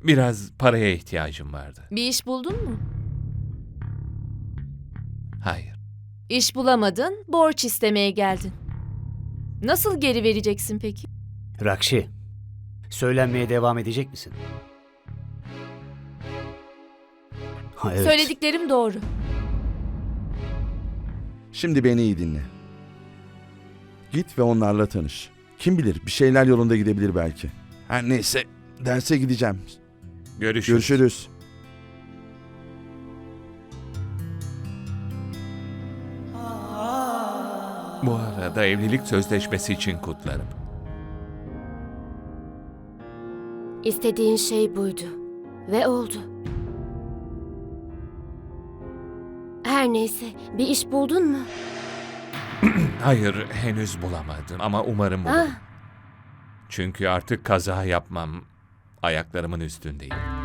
Biraz paraya ihtiyacım vardı. Bir iş buldun mu? Hayır. İş bulamadın, borç istemeye geldin. Nasıl geri vereceksin peki? Rakşi, söylenmeye devam edecek misin? Ha, evet. Söylediklerim doğru. Şimdi beni iyi dinle. Git ve onlarla tanış. Kim bilir bir şeyler yolunda gidebilir belki. Her neyse derse gideceğim. Görüşürüz. Görüşürüz. Bu arada evlilik sözleşmesi için kutlarım. İstediğin şey buydu. Ve oldu. Her neyse, bir iş buldun mu? Hayır, henüz bulamadım ama umarım bulurum. Ah, Çünkü artık kaza yapmam ayaklarımın üstündeyim.